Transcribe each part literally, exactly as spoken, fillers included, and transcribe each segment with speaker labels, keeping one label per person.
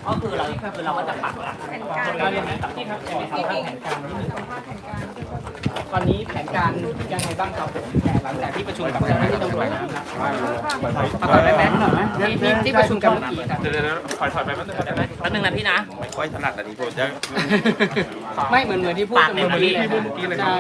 Speaker 1: ก็คือเราคือเราก็จะปักหลักแผนการเราเรียนกับที่ครับในสัมภาษณ์แผนการที่สัมภาษณ์แผนการตอนนี้แผนการยังไงบ้างครับผมหลังจากที่ประชุมกับเจ้าหน้าที่ตำรวจนะครับประกอบได้ไหมที่ที่ประชุมกันเมื่อกี้ครับ
Speaker 2: เดี๋ยวถอยถอยไปแป๊บนึงได้ไหม
Speaker 1: แป๊บนึงนะพี่นะ
Speaker 3: ไม่ค่อยถนัดอันนี้ผมจะ
Speaker 1: ไม่เหมือนเหมือนที่พูดเหมือนที่พูดเมื่อกี้เลยใช่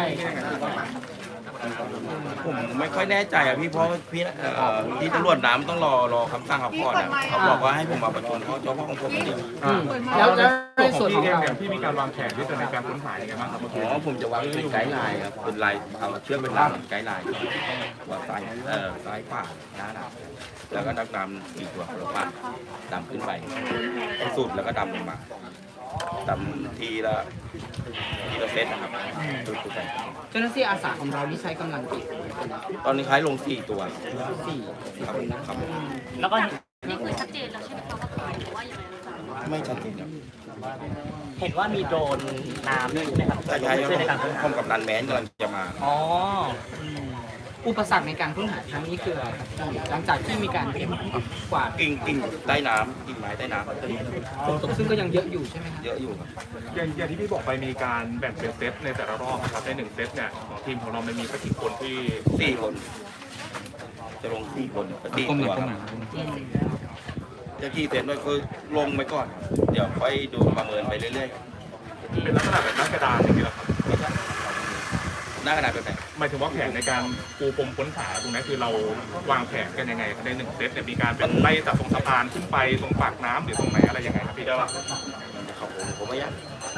Speaker 3: ผมไม่ค่อยแน่ใจอ่ะพี่เพราะพี่เอ่อที่ตำรวจน้ำต้องรอรอคำสั่งเขาก่อนอ่ะเขาบอกว่าให้ผมมาประชุมเขาเฉพาะของผมเดียว
Speaker 1: แล้วแล้วใน
Speaker 2: ข
Speaker 1: ส่
Speaker 2: อ
Speaker 1: วน
Speaker 2: ง
Speaker 1: ของ
Speaker 2: พี่เอง
Speaker 1: เรา
Speaker 2: เนี่ยพี่มีการวางแผนที่จะในการค้นหายังไงบ้างครับ
Speaker 3: อ๋อผมจะวางเป็นไกด์ไลน์ครับเป็นลายเอาเชือกเป็นลายไกด์ไลน์ว่าซ้ายเอ่อซ้ายขวาหน้าหลังแล้วก็นักดำสี่ตัวคนละฝั่งดำขึ้นไปให้สุดแล้วก็ดำลงมาดำทีละทีละเซตนะครับสุดไป
Speaker 1: เจ้าหน้าที่อาสาของเราที่ใช้กำลังกี่คน
Speaker 3: ตอนนี้คล้ายลงสี่ตัว
Speaker 1: สี่
Speaker 3: ครับครับ
Speaker 1: แล้วก็
Speaker 4: นี่คือชัดเจนแล้วใช่ไหมคะว่าใครหรือว่ายังไงคะ
Speaker 3: ไม่ชัดเจนครับ
Speaker 1: เห็นว่ามีโดรนน้ำด้วยใช่ไหมครับ
Speaker 3: ใช่ใช่
Speaker 1: ช่วยในการค้นหา
Speaker 3: ห้องกับนันแมนกำลังจะมา
Speaker 1: อ๋ออืมอุปสรรคในการค้นหาครั้งนี้คืออะไรครับหลังจากที่มีการเก็บกวาด
Speaker 3: กิ่งกิ่งใต้น้ำกิ่งไม้ใต้น้ำ
Speaker 1: ฝนตกซึ่งก็ยังเยอะอยู่ใช่ไหมครับ
Speaker 3: เยอะอยู่ครับ
Speaker 2: อย่างอย่างที่พี่บอกไปมีการแบ่งเป็นเซตในแต่ละรอบนะครับในหนึ่งเซตเนี่ยของทีมของเรามันมีสักกี่คนที่
Speaker 3: สี่คน จะลงสี่คนสี่ตัวครับจะกี่เซนด้วยคือลงไปก่อน เดี๋ยวค่อยดูประเมินไปเรื่อย
Speaker 2: เป็นลักษณะแบบหน้ากระดานอย่างนี้เหรอครับ
Speaker 3: ๆหน้ากระดาษแบบไหน
Speaker 2: หมายถึงว่าแผนในการปูพรมค้นหาตรงนี้คือเราวางแผนกันยังไงครับในหนึ่งเซตเนี่ยมีการเป็นไล่จากตรงสะพานขึ้นไปตรงปากน้ำหรือตรงไหนอะไรยังไงครับพี่เจ้า
Speaker 3: เขาผมผมไม่ยัก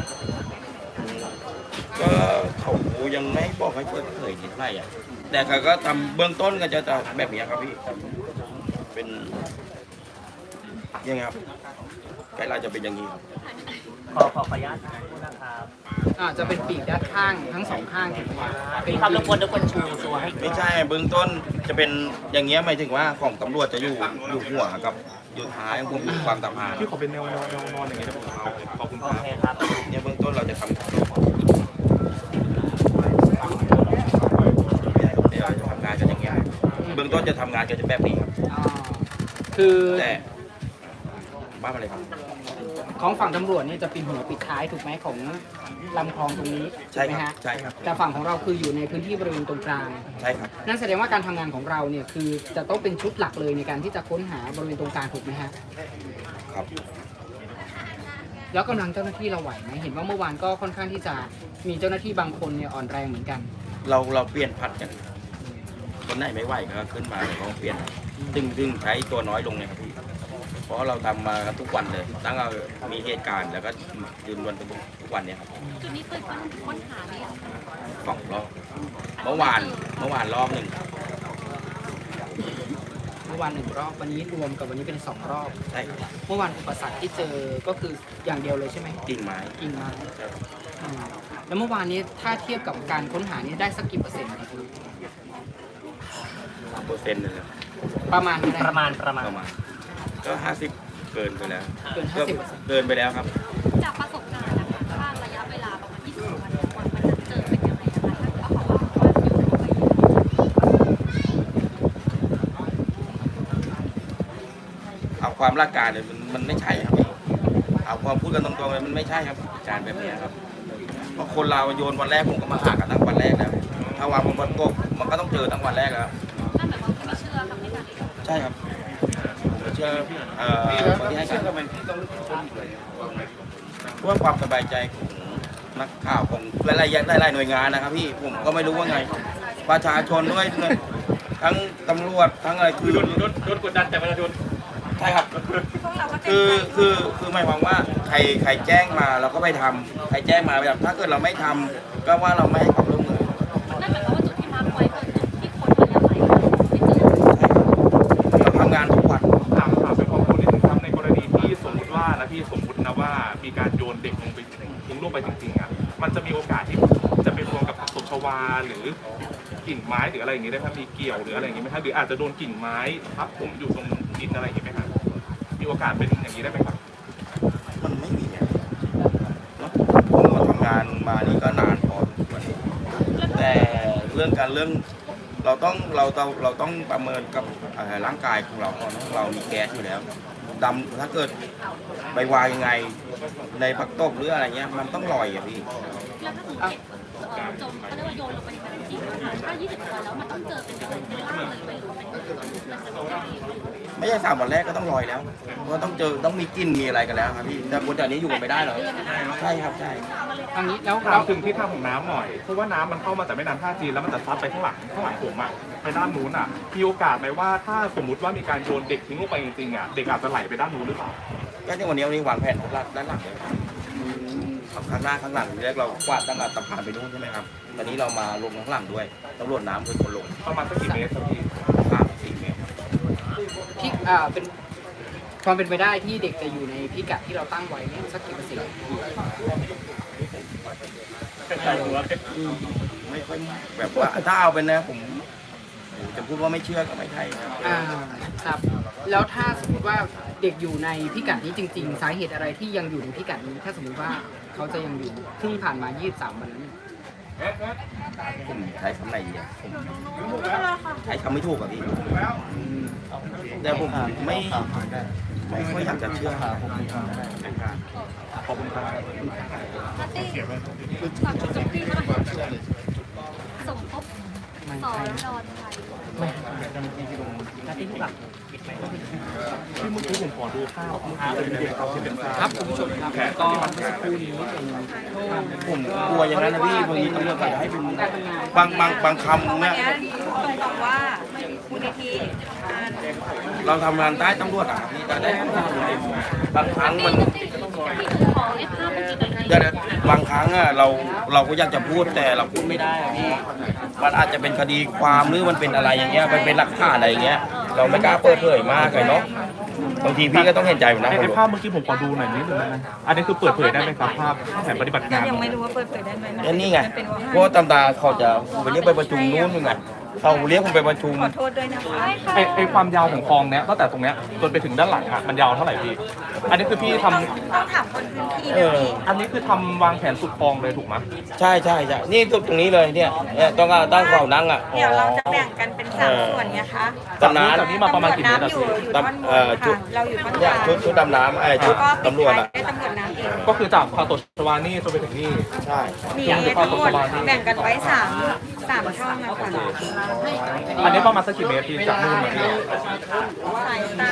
Speaker 3: ก็เขายังไม่บอกให้เปิดเผยนิดหน่อยอ่ะแต่เขาก็ทำเบื้องต้นก็จะแบบนี้ครับพี่เป็นยังไงครับไกด์ไลน์จะเป็นอย่างนี้ครับ
Speaker 1: ขอขอขออนุญาตนะครับอ่าจะเป็นปีกด้านข้างทั้งสองข้างถูกไหมครับพี่ครับรบกวนรบกวนชูตัวให้
Speaker 3: ไม่ใช่เบื้องต้นจะเป็นอย่างเงี้ยหมายถึงว่าของตำรวจจะอยู่อยู่หัวกับอยู่ท้ายของผมอยู่ความต่ำหา
Speaker 2: พี่ขอเป็นแนวแนวแนวนอนอย่างนี้ได้ไหมครับขอบคุณ
Speaker 1: โอ
Speaker 2: ครับ
Speaker 1: เคครับ
Speaker 3: เนี่ยเบื้องต้นเราจะทำเดี๋ยวจะทำงานกันอย่างเงี้ยเบื้องต้นจะทำงานกันจะแบบนี้ครับ
Speaker 1: อ่าคือ
Speaker 3: แต่บ้าอะไรครับ
Speaker 1: ของฝั่งตำรวจเนี่ยจะปิดหัวปิดท้ายถูกไหมของลำคลองตรงนี้
Speaker 3: ใช่
Speaker 1: ไหม
Speaker 3: ครับ
Speaker 1: ฮะ
Speaker 3: ใช่ครับ
Speaker 1: แต่ฝั่งของเราคืออยู่ในพื้นที่บริเวณตรงกลาง
Speaker 3: ใช่ครับ
Speaker 1: นั่นแสดงว่าการทำงานของเราเนี่ยคือจะต้องเป็นชุดหลักเลยในการที่จะค้นหาบริเวณตรงกลางถูกไหมฮะ
Speaker 3: ครับ
Speaker 1: แล้วกำลังเจ้าหน้าที่เราไหวไหมเห็นว่าเมื่อวานก็ค่อนข้างที่จะมีเจ้าหน้าที่บางคนเนี่ยอ่อนแรงเหมือนกัน
Speaker 3: เราเราเปลี่ยนผัดกันคนไหนไม่ไหวก็ขึ้นมาเราเปลี่ยนซึ่งซึ่งใช้ตัวน้อยลงเนี่ยครับพี่เพราะเราทำมาทุกวันเลยตั้งแต่มีเหตุการณ์แล้วก็ยืนวันเป็นทุกวันเนี่ยครับ
Speaker 4: จุดนี้เคยค้นหาเนี่ย
Speaker 3: สองรอบเมื่อวานเมื่อวานรอบหนึ่ง
Speaker 1: เมื่อวานหนึ่งรอบวันนี้รวมกับวันนี้เป็นสองรอบ
Speaker 3: ใช่ครับ
Speaker 1: เมื่อวานอุปสรรคที่เจอก็คืออย่างเดียวเลยใช่ไหม
Speaker 3: กิ่งไม้
Speaker 1: กิ่งไม้
Speaker 3: ใช่ครับ
Speaker 1: อ่าแล้วเมื่อวานนี้ถ้าเทียบกับการค้นหานี่ได้สักกี่เปอร์เซ็นต์ครับ
Speaker 3: เปอร์เซ็นต์เลยนะ
Speaker 1: ประมาณประมาณประมาณ
Speaker 3: ประมาณก็ห้าสิบเกินไปแล้ว
Speaker 1: เกินห้าสิบเปอร์เซ็นต์
Speaker 3: เกินไปแล้วครับ
Speaker 4: จากประสบการณ์นะคะว่าระยะเวลาประมาณยี่สิบวันกว่ามันจะเจอเป็นยังไงนะคะแล้วเขาบอกว่าอยู่ตรงไหน
Speaker 3: เอาความรักการเนี่ยมันมันไม่ใช่ครับเอาความพูดกันตรงๆเลยมันไม่ใช่ครับการแบบนี้ครับเพราะคนเราโยนวันแรกผมก็มาหากันตั้งวันแรกแล้วถ้าวางบนบนโต๊ะมันก็ต้องเจอตั้งวันแรกแล้ว
Speaker 4: นั่นหมายความว่าไม่เชื่อคำให้การเอง
Speaker 3: ใช่ครับผมเชื่อเอ่อคนที่ให้การเพื่อความสบายใจของนักข่าวของหลายๆหลายๆหน่วยงานนะครับพี่ผมก็ไม่รู้ว่าไงประชาชนด้วยทั้งตำรวจทั้งอะไรคือ
Speaker 2: โดนโดนโดนกดดันแต่ประชาชน
Speaker 3: ใช่ครับคือคือคือหมายความว่าใครใครแจ้งมาเราก็ไปทำใครแจ้งมาไปทำถ้าเกิดเราไม่ทำก็ว่าเราไม่ให้ความร่วมมือ
Speaker 4: นั่นหมายความว่าจุดที่มาร์คไว้คือจุดที่คนระยะไหนที่เจอ
Speaker 3: ใช่ครับเราทำงานทุกวัน
Speaker 2: ถามถามเป็นความรู้นิดนึงครับในกรณีที่สมมติว่านะพี่สมมตินะว่ามีการโยนเด็กลงไปทิ้งลงไปจริงๆอ่ะมันจะมีโอกาสที่จะไปรวมกับผักตบชวาหรือกิ่งไม้หรืออะไรอย่างงี้ได้ไหมมีเกี่ยวหรืออะไรอย่างงี้ไหมครับหรืออาจจะโดนกิ่งไม้ทับผมอยู่ตรงดินอะไรอย่างงี้ไหมครับมีโอกาสเป็นอย่างนี้ได้ไหมครับ
Speaker 3: มันไม่มีอะเนอะผมมาทำงานมานี่ก็นานพอสมควรแต่เรื่องการเรื่องเราต้องเราเราเราต้องประเมินกับเอ่อร่างกายของเราก่อนนะเรามีแก๊สอยู่แล้วดำถ้าเกิดไปวางยังไงในพักตบหรืออะไรเงี้ยมันต้องลอยอะพี่
Speaker 4: แล้วถ้าสมมติเด็กเอ่อจมเขาเรียกว่าโยนลงไปในแม่น้ำจริงนะคะถ้ายี่สิบวันแล้วมันต้องเจอเป็นเป็นร่างเลยไหมหรือเป็น
Speaker 3: ไม่ใช่สามวันแรกก็ต้องลอยแล้วเพราะต้องเจอต้องมีกลิ่นมีอะไรกันแล้วครับพี่แต่คนแต่นี้อยู่กันไม่ได้หรอกใช่ครับใช่
Speaker 1: ทางนี้แล้ว
Speaker 2: ถา
Speaker 1: เรา
Speaker 2: มถึงที่ทางของน้ำหน่อยเพราะว่าน้ำมันเข้ามาจากแม่น้ำท่าจีนแล้วมันจะซัดไปข้างหลังข้างหลังผมอะไปด้านนู้นอะมีโอกาสไหมว่าถ้าสมมติว่ามีการโยนเด็กทิ้งลงไปจริงๆอะเด็กอาจจะไหลไปด้านนู้นหรือเปล่า
Speaker 3: ก็ที่วันนี้วันนี้วางแผนด้านหลังเลยข้างหน้าข้างหลังทีแรกเรากวาดตั้งแต่สะพานไปนู่นใช่ไหมครับตอนนี้เรามาลงข้างหลังด้วยตำรวจน้ำเป็นคนลง
Speaker 2: ประมาณสักกี่เมตรครับพี่
Speaker 3: สามสี่เมตร
Speaker 1: พี่อ่าเป็นความเป็นไปได้ที่เด็กจะอยู่ในพิกัดที่เราตั้งไว้เนี่ยสักกี่เปอร์เซ็นต์
Speaker 3: ไม่ค่อยแบบว่าถ้าเอาเป็นนะผมจะพูดว่าไม่เชื่อก็ไม่ใช่ครับ
Speaker 1: อ่าครับแล้วถ้าสมมติว่าเด็กอยู่ในพิกัดนี้จริง ๆ สาเหตุอะไรที่ยังอยู่ในพิกัดนี้ถ้าสมมติว่าเขาจะยังอยู่ที่ผ่านมายี่สิบสามวันนั้น
Speaker 3: ผมใช้คำไหนดีอะผมใช้คำไม่ถูกอะพี่แต่ผมไม่ไม่ค่อยอยากจะเชื่อครับ
Speaker 2: ขอบคุณครับ
Speaker 4: นัตตี้ฝากจุดที่หน่อยสมทบสอนรอนไทย
Speaker 2: ที่เมื่อกี้ผมขอดูภาพเมื่อกี้เป็นเด็กเขาที่เป็นภาพ
Speaker 1: ครับคุณผู้ชมครับก็เมื่อสักครู่นี้เป็น
Speaker 3: ผมกลัวอย่างนั้นนะพี่บางทีตำรวจอาจจะให้เป็นบางบางบางคำเนี่ย
Speaker 5: บอกว่ามูลนิธิ
Speaker 3: เราทำงานใต้ตำรวจอะครับพี่แต่ได้บางครั้งมัน
Speaker 4: ขอให้ภาพมันจินตนา
Speaker 3: เดี๋
Speaker 4: กาย
Speaker 3: วบางครั้งอะเราเราก็อยากจะพูดแต่เราพูดไม่ได้อะพี่มันอาจจะเป็นคดีความหรือมันเป็นอะไรอย่างเงี้ยมันเป็นหลักฐานอะไรอย่างเงี้ยเราไม่กล้าเปิดเผยมากเลยเนาะบางทีพี่ก็ต้องเห็นใจผมนะ
Speaker 2: ในภาพเมื่อกี้ผมขอดูหน่อยนิดนึงนะอันนี้คือเปิดเผยได้ไหมครับภาพแผนปฏิบัติงาน
Speaker 5: ยังไม่รู้ว่าเปิดเผยได้ไหม
Speaker 3: แล้วนี่ไงเพราะว่าตำตาเขาจะไปเรียกไปประชุมนู้นนู่นไงเขาเรียกผมไปประชุม
Speaker 5: ขอโทษด้วยนะคะ
Speaker 2: ไอไอความยาวของคลองเนี้ยตั้งแต่ตรงเนี้ยจนไปถึงด้านหลังอะมันยาวเท่าไหร่พี่ อันนี้คือพี่ทำ
Speaker 5: ต้องถามคนพื้นที่
Speaker 3: เอ
Speaker 5: นะ
Speaker 3: อ
Speaker 5: พี่
Speaker 2: อันนี้คือทำวางแผนสุดคลองเลยถูกไหม
Speaker 3: ใช่ใช่ใช่นี่ตรงนี้เลยเนี่ยเนี่ยต้องเอาตั้งเขานั่งอ่ะ
Speaker 5: เดี๋ยวเราจะแบ่งกันเป็นสามส่วนไงคะ
Speaker 3: ตำน้
Speaker 2: จากนี้มาประมาณกี่เมตรอะ
Speaker 5: อยู่
Speaker 2: พี่
Speaker 5: อยู่ท่อนบ
Speaker 3: เอ่อน ชุด
Speaker 5: ค่ะเราอยู่ท่อน
Speaker 3: เนี่ย
Speaker 5: กลาง
Speaker 3: ชุดชุดดำน้ำไอ้ชุด
Speaker 5: ก็ปิด
Speaker 3: ตำรวจ
Speaker 5: ท้าย
Speaker 3: อ่ะ
Speaker 5: ด้วยตำรวจน้ำเอง
Speaker 2: ก็คือจากพาตชวานี่จนไปถึงนี่
Speaker 3: ใช่
Speaker 5: มีทั้งหมดแบ่งกันไว้สามสามช่องนะคะ
Speaker 2: อันนี้ประมาณสักกี่เมตรพี่จากนู่นมาที่
Speaker 5: สายตา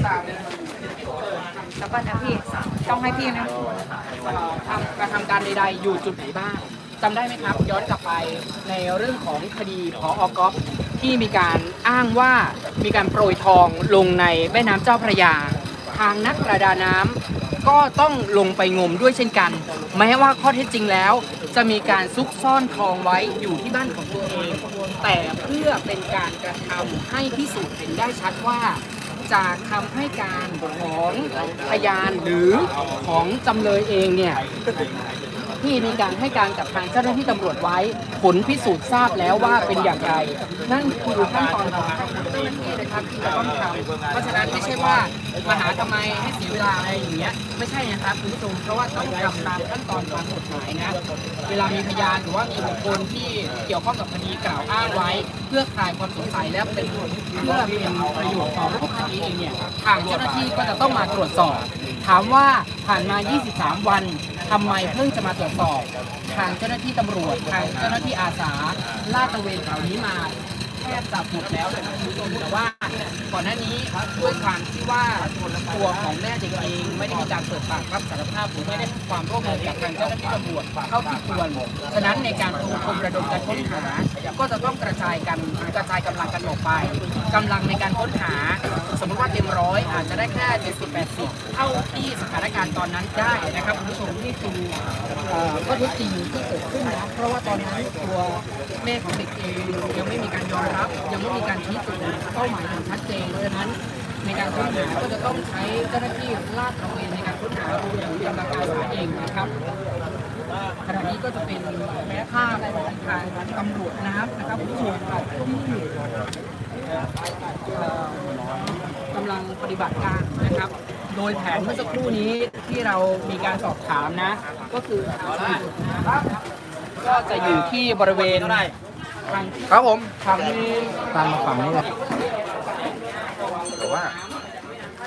Speaker 5: แล้วก็นะพี่ต้องให้พี่นะ
Speaker 1: ทำกระทำการใดๆอยู่จุดไหนบ้างจำได้ไหมครับ ย้อนกลับไปในเรื่องของคดีพออกอฟที่มีการอ้างว่ามีการโปรยทองลงในแม่น้ำเจ้าพระยา ทางนักประดาน้ำก็ต้องลงไปงมด้วยเช่นกัน แม้ว่าข้อเท็จจริงแล้ว จะมีการซุกซ่อนทองไว้อยู่ที่บ้านของตัวเอง แต่เพื่อเป็นการกระทำให้พิสูจน์เห็นได้ชัดว่า จากคำให้การของพยานหรือของจำเลยเองเนี่ยที่มีการให้การกับทางเจ้าหน้าที่ตำรวจไว้ ผลพิสูจน์ทราบแล้วว่าเป็นอย่างไร นั่นคือขั้นตอนของเจ้าหน้าที่นะครับที่จะต้องทำเพราะฉะนั้นไม่ใช่ว่ามาหาทำไมให้เสียเวลาอะไรอย่างเงี้ยไม่ใช่นะครับคุณผู้ชมเพราะว่าต้องทำตามขั้นตอนตามกฎหมายนะเวลามีพยานหรือว่ามีบุคคลที่เกี่ยวข้องกับคดีกล่าวอ้างไว้ เพื่อคลายความสงสัยและเป็นเพื่อเป็นประโยชน์ต่อรูปคดีเองเนี่ยทางเจ้าหน้าที่ก็จะต้องมาตรวจสอบ ถามว่าผ่านมา ยี่สิบสาม วันทำไมเพิ่งจะมาตรวจสอบ ทางเจ้าหน้าที่ตำรวจ ทางเจ้าหน้าที่อาสาลาดตระเวนแถวนี้มาแทบจะหมดแล้วนะครับคุณผู้ชมแต่ว่าก่อนหน้านี้ด้วยความที่ว่าตัวของแม่เด็กเองไม่ได้มีการเปิดปากรับสารภาพหรือไม่ได้ให้ความร่วมมือกับทางเจ้าหน้าที่ตำรวจเท่าที่ควรฉะนั้นในการปูพรมระดมการค้นหา ก็จะต้องกระจายกันกระจายกำลังกันออกไปกำลังในการค้นหา สมมติว่าเต็มร้อยอาจจะได้แค่เจ็ดสิบ แปดสิบเท่าที่สถานการณ์ตอนนั้นได้นะครับคุณผู้ชมนี่คือเอ่อข้อเท็จจริงที่เกิดขึ้นนะเพราะว่าตอนนั้นตัวแม่ของเด็กเองยังไม่มีการยอมรับ ยังไม่มีการชี้จุดเป้าหมายอย่างชัดเจนเพราะฉะนั้นในการค้นหาก็จะต้องใช้เจ้าหน้าที่ลาดตระเวนในการค้นหารวมถึงกำลังอาสาเองนะครับขณะนี้ก็จะเป็นภาพของทางตำรวจน้ำนะครับคุณผู้ชมครับที่เอ่อกำลังปฏิบัติการนะครับ โดยแผนเมื่อสักครู่นี้ที่เรามีการสอบถามนะ ก็คือทางล่างนะครับก็จะอยู่ที่บริเวณทางครับผมทางนี้ตามมาฝั่งนี้เลย
Speaker 3: แต่ว่า
Speaker 1: ค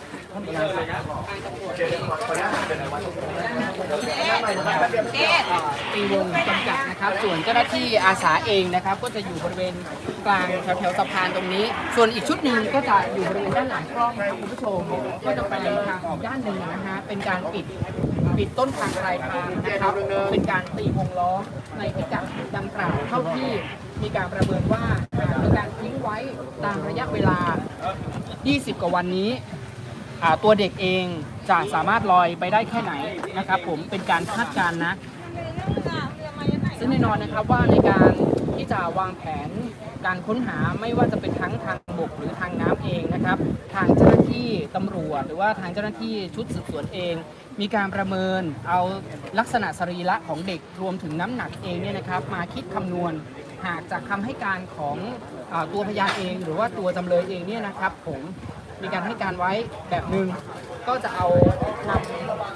Speaker 1: งานทางตำรวจเองก็ได้ตีวงจำกัดนะครับ ส่วนเจ้าหน้าที่อาสาเองนะครับ ก็จะอยู่บริเวณกลางแถวๆสะพานตรงนี้ ส่วนอีกชุดหนึ่งก็จะอยู่บริเวณด้านหลังกล้องนะครับคุณผู้ชมก็จะไปทางอีกด้านหนึ่งนะฮะเป็นการปิดปิดต้นทางปลายทางนะครับเป็นการตีวงล้อมในพิกัดดังกล่าวเท่าที่มีการประเมินว่ามีการทิ้งไว้ตามระยะเวลา ยี่สิบ กว่าวันนี้อ่าตัวเด็กเองจะสามารถลอยไปได้แค่ไหนนะครับผมเป็นการคาดการณ์นะซึ่งแน่นอนนะครับว่าในการที่จะวางแผนการค้นหาไม่ว่าจะเป็นทั้งทางบกหรือทางน้ำเองนะครับทางเจ้าหน้าที่ตำรวจหรือว่าทางเจ้าหน้าที่ชุดสืบสวนเอง มีการประเมินเอาลักษณะสรีระของเด็กรวมถึงน้ำหนักเองเนี่ยนะครับมาคิดคำนวณหากจากคำให้การของอาตัวพยานเองหรือว่าตัวจำเลยเองเนี่ยนะครับผมมีการให้การไว้แบบหนึ่งก็จะเอานำ